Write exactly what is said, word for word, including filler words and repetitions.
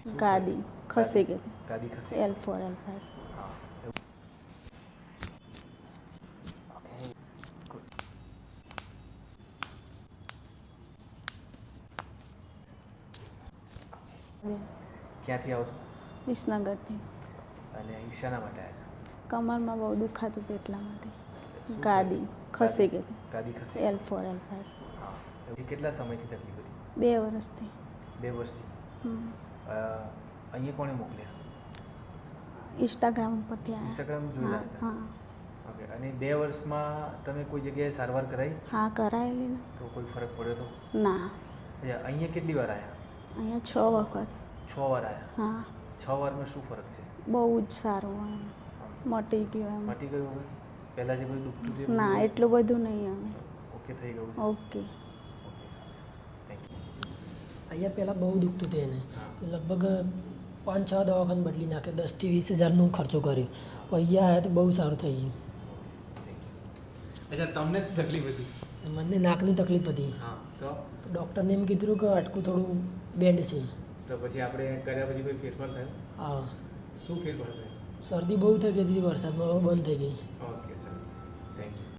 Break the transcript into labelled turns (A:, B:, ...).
A: ગાદી ખસી ગઈ હતી.
B: ગાદી ખસી
A: એલ ફોર એલ ફાઈવ.
B: હા ઓકે ગુડ. ક્યાંથી આવો છો?
A: વિસનગરથી.
B: અને અહીં શાના માટે આવ્યા
A: કમરમાં બહુ દુખાતું હતું એટલા માટે.
B: છો?
A: ગાદી ખસી ગઈ હતી.
B: ગાદી ખસી
A: એલ ફોર એલ ફાઈવ.
B: હા એ કેટલા સમયથી તકલીફ હતી?
A: બે વર્ષથી.
B: બે વર્ષથી.
A: હમ.
B: અ, અહીંયા કોણે મોકલ્યા?
A: ઇન્સ્ટાગ્રામ ઉપરથી આવ્યા.
B: ઇન્સ્ટાગ્રામ જોયેલા
A: હા
B: હતા?
A: હા
B: ઓકે. અને બે વર્ષમાં તમે કોઈ જગ્યાએ સારવાર કરાવી?
A: હા કરાયેલી ને.
B: તો કોઈ ફરક પડ્યો તો?
A: ના.
B: અચ્છા, અહીંયા કેટલી વાર આવ્યા?
A: અહીંયા છ વખત.
B: છ વાર આવ્યા.
A: હા
B: છ વારમાં શું ફરક છે?
A: બહુ જ સારું એમ મટી ગયું એમ.
B: મટી ગયું હવે? પહેલાં જે બધું દુખતું હતું એ
A: ના
B: બધું
A: એટલું બધું નહીં એમ.
B: ઓકે થઈ ગયું છે?
A: ઓકે.
B: ઓકે સારું છે. Thank you.
C: અહીંયા પહેલાં બહુ દુખતું હતું એને
B: હા.
C: તો લગભગ પાંચ છ દવાખાને બદલી નાખ્યો, દસથી વીસ હજારનો ખર્ચો કર્યો. પણ અહીંયા આવ્યા તો બહુ સારું થઈ ગયું.
B: અચ્છા, તમને શું તકલીફ હતી?
C: મને નાકની તકલીફ હતી
B: હા તો
C: તો ડૉક્ટરને એમ કીધું કે હાડકું થોડું બેન્ડ છે.
B: તો પછી આપણે કર્યા પછી કોઈ ફેરફાર થયો?
C: હા,
B: શું ફેરફાર થયો?
C: શરદી બહુ થઈ ગઈ હતી વરસાદમાં, હવે બંધ થઈ ગઈ.
B: ઓકે સરસ. Thank you.